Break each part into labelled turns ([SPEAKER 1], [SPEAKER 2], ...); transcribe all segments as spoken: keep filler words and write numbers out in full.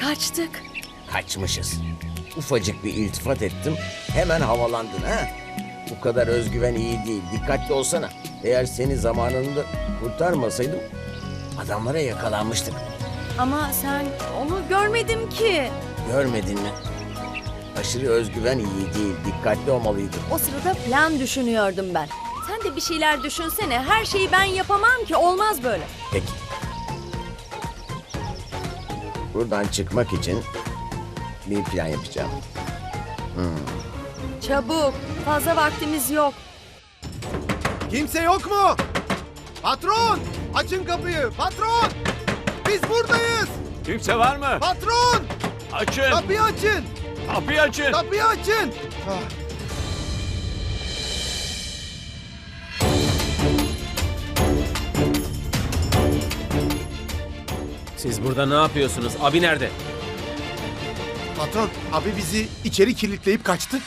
[SPEAKER 1] Kaçtık.
[SPEAKER 2] Kaçmışız. Ufacık bir iltifat ettim. Hemen havalandın ha. Bu kadar özgüven iyi değil. Dikkatli olsana. Eğer seni zamanında kurtarmasaydım adamlara yakalanmıştık.
[SPEAKER 1] Ama sen onu görmedim ki.
[SPEAKER 2] Görmedin mi? Aşırı özgüven iyi değil. Dikkatli olmalıydın.
[SPEAKER 1] O sırada plan düşünüyordum ben. Sen de bir şeyler düşünsene. Her şeyi ben yapamam ki. Olmaz böyle.
[SPEAKER 2] Peki. Buradan çıkmak için bir plan yapacağım.
[SPEAKER 1] Çabuk. Fazla vaktimiz yok.
[SPEAKER 3] Kimse yok mu? Patron! Açın kapıyı! Patron! Biz buradayız!
[SPEAKER 4] Kimse var mı?
[SPEAKER 3] Patron!
[SPEAKER 4] Açın!
[SPEAKER 3] Kapıyı açın!
[SPEAKER 4] Kapıyı açın!
[SPEAKER 3] Kapıyı açın! Ah,
[SPEAKER 5] Siz burada ne yapıyorsunuz? Abi nerede?
[SPEAKER 3] patron, abi bizi içeri kilitleyip kaçtı.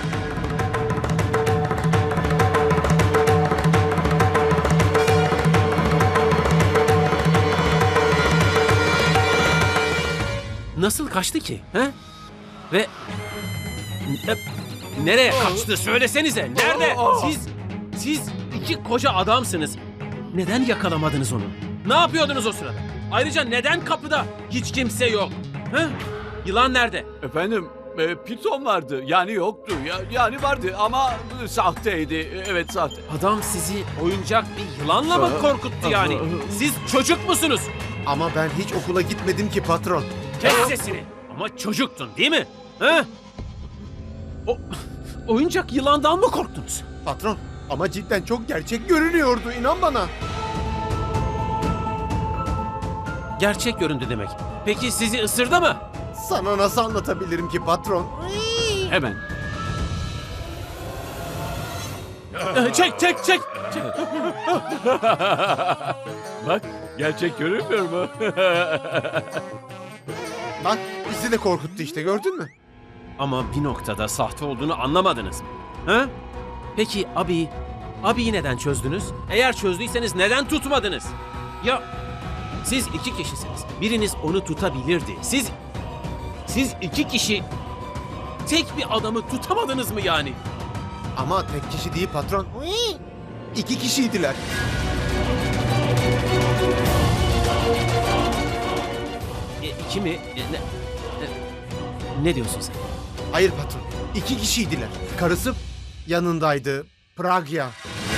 [SPEAKER 5] Nasıl kaçtı ki? He? Ve... Ne- Nereye kaçtı? Söylesenize. Nerede? Siz... Siz iki koca adamsınız. Neden yakalamadınız onu? Ne yapıyordunuz o sırada? Ayrıca neden kapıda hiç kimse yok? He? Yılan nerede?
[SPEAKER 4] Efendim, e, piton vardı. Yani yoktu. Ya, yani vardı ama e, sahteydi. Evet, sahte.
[SPEAKER 5] Adam sizi oyuncak bir yılanla mı korkuttu yani? Siz çocuk musunuz?
[SPEAKER 3] Ama ben hiç okula gitmedim ki patron.
[SPEAKER 5] Kes sesini. Ama çocuktun değil mi? He? O oyuncak yılandan mı korktunuz?
[SPEAKER 3] Patron, ama cidden çok gerçek görünüyordu, inan bana.
[SPEAKER 5] Gerçek göründü demek. Peki sizi ısırdı mı?
[SPEAKER 3] Sana nasıl anlatabilirim ki patron?
[SPEAKER 4] Hemen.
[SPEAKER 5] Ee, Çek çek çek. çek.
[SPEAKER 4] Bak, gerçek görünmüyor mu?
[SPEAKER 3] Bak, bizi de korkuttu işte, gördün mü?
[SPEAKER 5] Ama bir noktada sahte olduğunu anlamadınız mı? Ha? Peki abi, abiyi neden çözdünüz? Eğer çözdüyseniz neden tutmadınız? Ya siz iki kişisiniz. Biriniz onu tutabilirdi. Siz, siz iki kişi tek bir adamı tutamadınız mı yani?
[SPEAKER 3] Ama tek kişi değil patron. İki kişiydiler.
[SPEAKER 5] E, iki mi? E, ne, e, ne diyorsun sen?
[SPEAKER 3] Hayır patron, iki kişiydiler. Karısı yanındaydı, Pragya.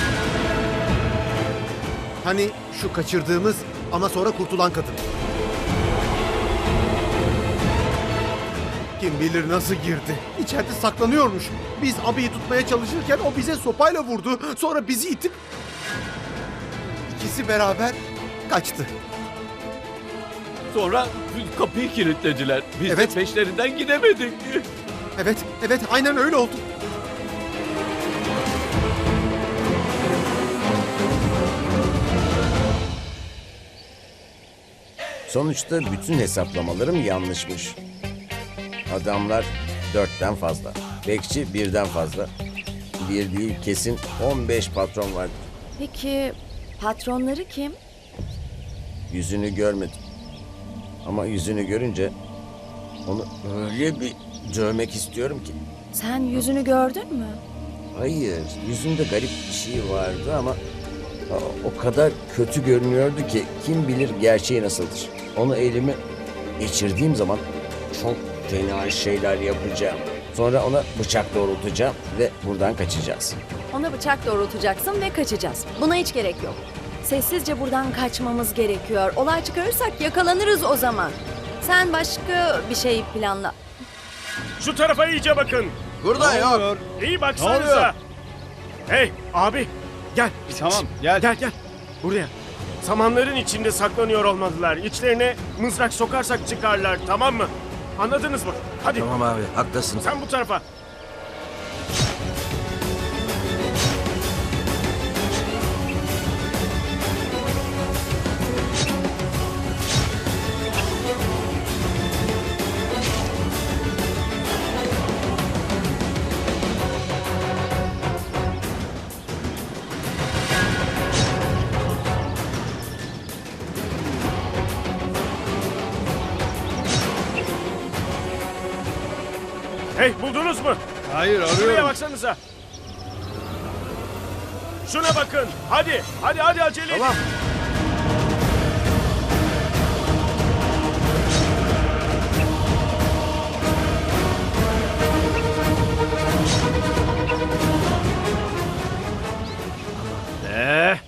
[SPEAKER 3] Hani şu kaçırdığımız ama sonra kurtulan kadın. Kim bilir nasıl girdi. İçeride saklanıyormuş. Biz abiyi tutmaya çalışırken o bize sopayla vurdu. Sonra bizi itip... İkisi beraber kaçtı.
[SPEAKER 4] Sonra kapıyı kilitlediler. Biz
[SPEAKER 3] Evet.
[SPEAKER 4] de peşlerinden gidemedik.
[SPEAKER 3] Evet, evet aynen öyle oldu.
[SPEAKER 2] Sonuçta bütün hesaplamalarım yanlışmış. Adamlar dörtten fazla. Bekçi birden fazla. Bir değil kesin on beş patron vardı.
[SPEAKER 1] Peki patronları kim?
[SPEAKER 2] Yüzünü görmedim. Ama yüzünü görünce onu öyle bir dövmek istiyorum ki.
[SPEAKER 1] Sen yüzünü gördün mü?
[SPEAKER 2] Hayır, yüzünde garip bir şey vardı ama o- o kadar kötü görünüyordu ki kim bilir gerçeği nasıldır. Onu elime geçirdiğim zaman çok fena şeyler yapacağım. Sonra ona bıçak doğrultacağım ve buradan kaçacağız.
[SPEAKER 1] Ona bıçak doğrultacaksın ve kaçacağız. Buna hiç gerek yok. Sessizce buradan kaçmamız gerekiyor. Olay çıkarırsak yakalanırız o zaman. Sen başka bir şey planla.
[SPEAKER 6] Şu tarafa iyice bakın.
[SPEAKER 3] Burada yok.
[SPEAKER 6] İyi baksanıza. Hey abi gel.
[SPEAKER 7] Tamam,
[SPEAKER 6] gel. Gel gel. Buraya. Samanların içinde saklanıyor olmalılar. İçlerine mızrak sokarsak çıkarlar, tamam mı? Anladınız mı? Hadi.
[SPEAKER 2] Tamam abi, haklısın.
[SPEAKER 6] Sen bu tarafa. Hey, buldunuz mu?
[SPEAKER 3] Hayır
[SPEAKER 6] Şuraya baksanıza. Şuna bakın. Hadi, hadi, hadi acele edin.
[SPEAKER 3] Tamam.
[SPEAKER 6] Ne?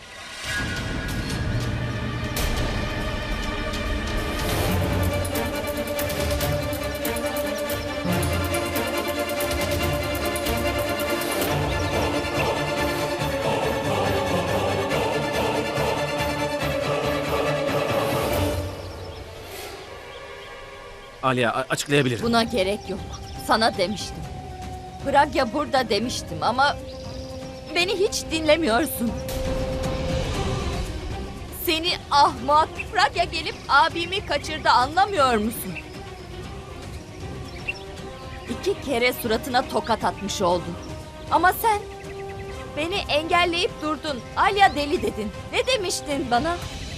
[SPEAKER 5] Alia a- açıklayabilir.
[SPEAKER 7] Buna gerek yok. Sana demiştim. Pragya burada demiştim ama beni hiç dinlemiyorsun. Seni ahmak. Pragya gelip abimi kaçırdı, anlamıyor musun? İki kere suratına tokat atmış oldun. Ama sen beni engelleyip durdun. Alya deli dedin. Ne demiştin bana?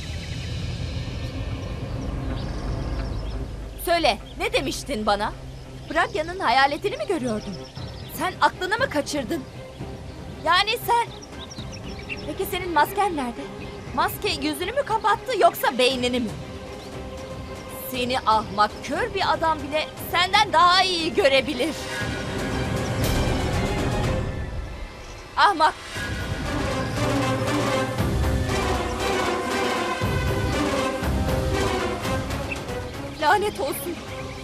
[SPEAKER 7] Söyle, ne demiştin bana? Pragya'nın hayaletini mi görüyordun? Sen aklını mı kaçırdın? Yani sen... Peki senin masken nerede? Maske yüzünü mü kapattı yoksa beynini mi? Seni ahmak, kör bir adam bile senden daha iyi görebilir. Ahmak! Lanet olsun.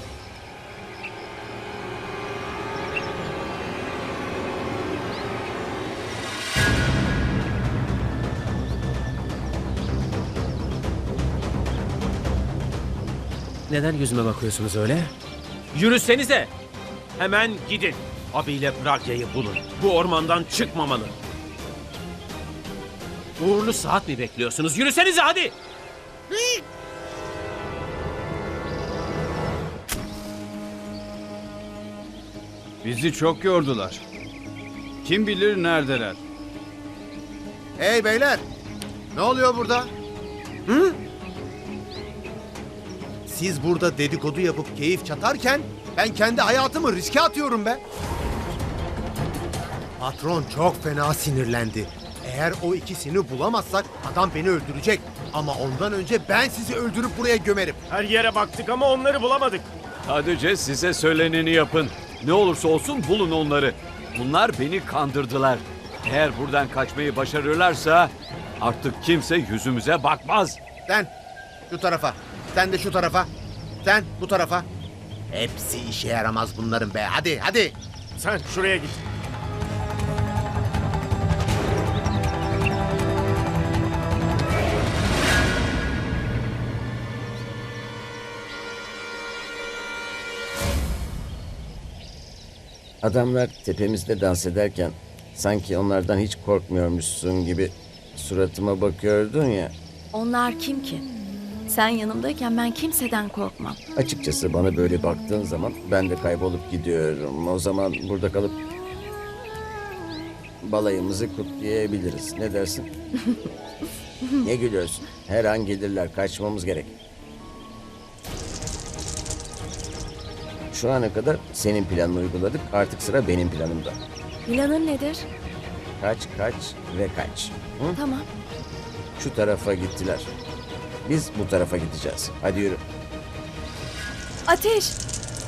[SPEAKER 5] Neden yüzüme bakıyorsunuz öyle? Yürüsenize. Hemen gidin. Abiyle Pragya'yı bulun. Bu ormandan çıkmamalı. Uğurlu saat mi bekliyorsunuz? Yürüsenize hadi.
[SPEAKER 8] Bizi çok yordular. Kim bilir neredeler?
[SPEAKER 3] Hey beyler! Ne oluyor burada? Hı? Siz burada dedikodu yapıp keyif çatarken ben kendi hayatımı riske atıyorum be. Patron çok fena sinirlendi. Eğer o ikisini bulamazsak adam beni öldürecek. Ama ondan önce ben sizi öldürüp buraya gömerim.
[SPEAKER 6] Her yere baktık ama onları bulamadık.
[SPEAKER 4] Sadece size söyleneni yapın. Ne olursa olsun bulun onları. Bunlar beni kandırdılar. Eğer buradan kaçmayı başarırlarsa artık kimse yüzümüze bakmaz.
[SPEAKER 3] Sen şu tarafa, sen de şu tarafa, sen bu tarafa. Hepsi işe yaramaz bunların be. Hadi hadi.
[SPEAKER 6] Sen şuraya git.
[SPEAKER 2] Adamlar tepemizde dans ederken sanki onlardan hiç korkmuyormuşsun gibi suratıma bakıyordun ya.
[SPEAKER 1] Onlar kim ki? Sen yanımdayken ben kimseden korkmam.
[SPEAKER 2] Açıkçası bana böyle baktığın zaman ben de kaybolup gidiyorum. O zaman burada kalıp balayımızı kutlayabiliriz. Ne dersin? Ne gülüyorsun? Her an gelirler. Kaçmamız gerek. Şu ana kadar senin planını uyguladık. Artık sıra benim planımda.
[SPEAKER 1] Planın nedir?
[SPEAKER 2] Kaç, kaç ve kaç. Hı?
[SPEAKER 1] Tamam.
[SPEAKER 2] Şu tarafa gittiler. Biz bu tarafa gideceğiz. Hadi yürü.
[SPEAKER 1] Ateş!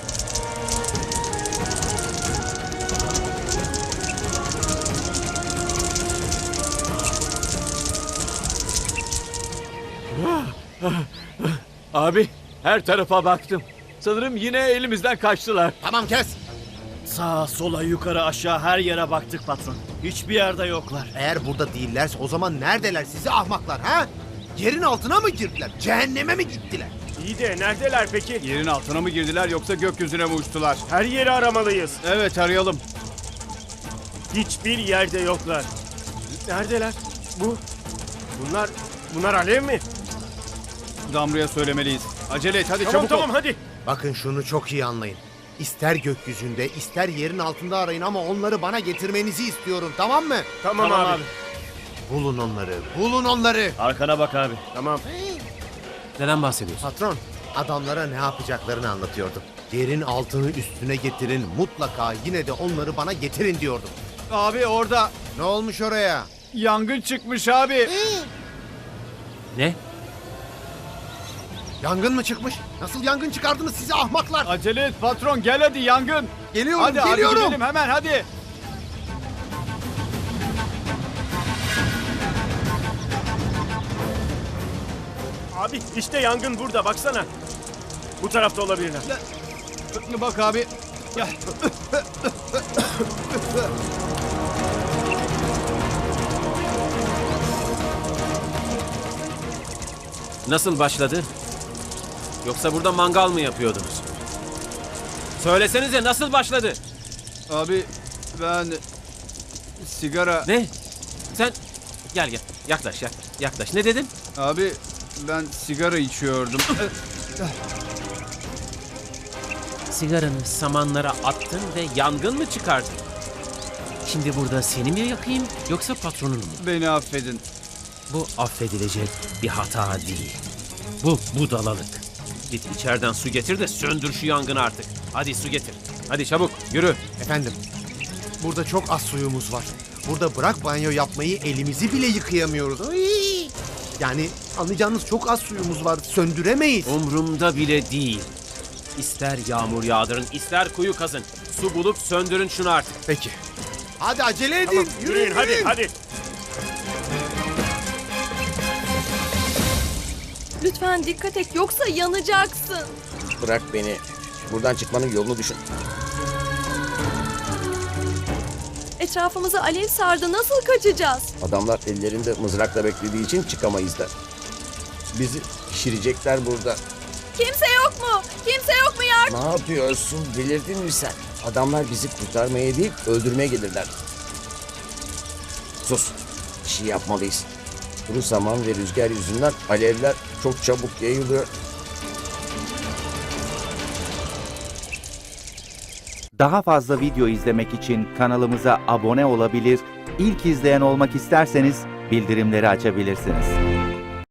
[SPEAKER 4] Abi her tarafa baktım. Sanırım yine elimizden kaçtılar.
[SPEAKER 3] Tamam kes.
[SPEAKER 9] Sağa, sola, yukarı, aşağı her yere baktık patron. Hiçbir yerde yoklar.
[SPEAKER 3] Eğer burada değillerse o zaman neredeler sizi ahmaklar ha? Yerin altına mı girdiler? Cehenneme mi gittiler?
[SPEAKER 6] İyi de neredeler peki?
[SPEAKER 8] Yerin altına mı girdiler yoksa gökyüzüne mi uçtular?
[SPEAKER 6] Her yeri aramalıyız.
[SPEAKER 8] Evet, arayalım.
[SPEAKER 6] Hiçbir yerde yoklar. Neredeler? Bu. Bunlar. Bunlar alev mi?
[SPEAKER 8] Damru'ya söylemeliyiz. Acele et, hadi
[SPEAKER 6] Tamam
[SPEAKER 8] çabuk
[SPEAKER 6] tamam
[SPEAKER 8] ol.
[SPEAKER 6] hadi.
[SPEAKER 3] Bakın şunu çok iyi anlayın. İster gökyüzünde ister yerin altında arayın ama onları bana getirmenizi istiyorum, tamam mı?
[SPEAKER 6] Tamam,
[SPEAKER 9] Tamam
[SPEAKER 6] abi.
[SPEAKER 9] abi.
[SPEAKER 3] Bulun onları, bulun onları.
[SPEAKER 9] Arkana bak abi.
[SPEAKER 6] Tamam.
[SPEAKER 5] Neden bahsediyorsun?
[SPEAKER 3] Patron, adamlara ne yapacaklarını anlatıyordum. Yerin altını üstüne getirin, mutlaka yine de onları bana getirin diyordum.
[SPEAKER 8] Abi orada
[SPEAKER 3] Ne olmuş oraya?
[SPEAKER 8] yangın çıkmış abi.
[SPEAKER 5] Ne?
[SPEAKER 3] Yangın mı çıkmış? Nasıl yangın çıkardınız sizi ahmaklar?
[SPEAKER 8] Acele et patron, gel hadi, yangın.
[SPEAKER 3] Geliyorum,
[SPEAKER 8] Hadi hadi
[SPEAKER 3] geliyorum.
[SPEAKER 8] gidelim hemen hadi.
[SPEAKER 6] Abi işte yangın burada baksana. Bu tarafta olabilirler.
[SPEAKER 8] Bak abi. Gel.
[SPEAKER 5] Nasıl başladı? Yoksa burada mangal mı yapıyordunuz? Söylesenize nasıl başladı?
[SPEAKER 8] Abi ben sigara...
[SPEAKER 5] Ne? Sen gel gel yaklaş yaklaş yaklaş. Ne dedin?
[SPEAKER 8] Abi ben sigara içiyordum.
[SPEAKER 5] Sigaranı samanlara attın ve yangın mı çıkardın? Şimdi burada seni mi yakayım yoksa patronunu mu?
[SPEAKER 8] Beni affedin.
[SPEAKER 5] Bu affedilecek bir hata değil. Bu budalalık. Git içeriden su getir de söndür şu yangını artık. Hadi su getir. Hadi çabuk yürü.
[SPEAKER 3] Efendim, burada çok az suyumuz var. Burada bırak banyo yapmayı, elimizi bile yıkayamıyoruz. Ay! Yani anlayacağınız çok az suyumuz var, söndüremeyiz.
[SPEAKER 5] Umrumda bile değil. İster yağmur yağdırın, ister kuyu kazın. Su bulup söndürün şunu artık.
[SPEAKER 3] Peki. Hadi acele edin,
[SPEAKER 6] Tamam,
[SPEAKER 3] yürüyün,
[SPEAKER 6] yürüyün hadi
[SPEAKER 3] yürüyün.
[SPEAKER 6] hadi.
[SPEAKER 1] Lütfen dikkat et yoksa yanacaksın.
[SPEAKER 2] Bırak beni. Buradan çıkmanın yolunu düşün.
[SPEAKER 1] Etrafımızı alev sardı. Nasıl kaçacağız?
[SPEAKER 2] Adamlar ellerinde mızrakla beklediği için çıkamayız da. Bizi pişirecekler burada.
[SPEAKER 1] Kimse yok mu? Kimse yok mu yardım?
[SPEAKER 2] Ne yapıyorsun? Delirdin mi sen? Adamlar bizi kurtarmaya değil, öldürmeye gelirler. Sus. Bir şey yapmalıyız. Kuru saman ve rüzgar yüzünden alevler çok çabuk yayılıyor.
[SPEAKER 10] Daha fazla video izlemek için kanalımıza abone olabilir, ilk izleyen olmak isterseniz bildirimleri açabilirsiniz.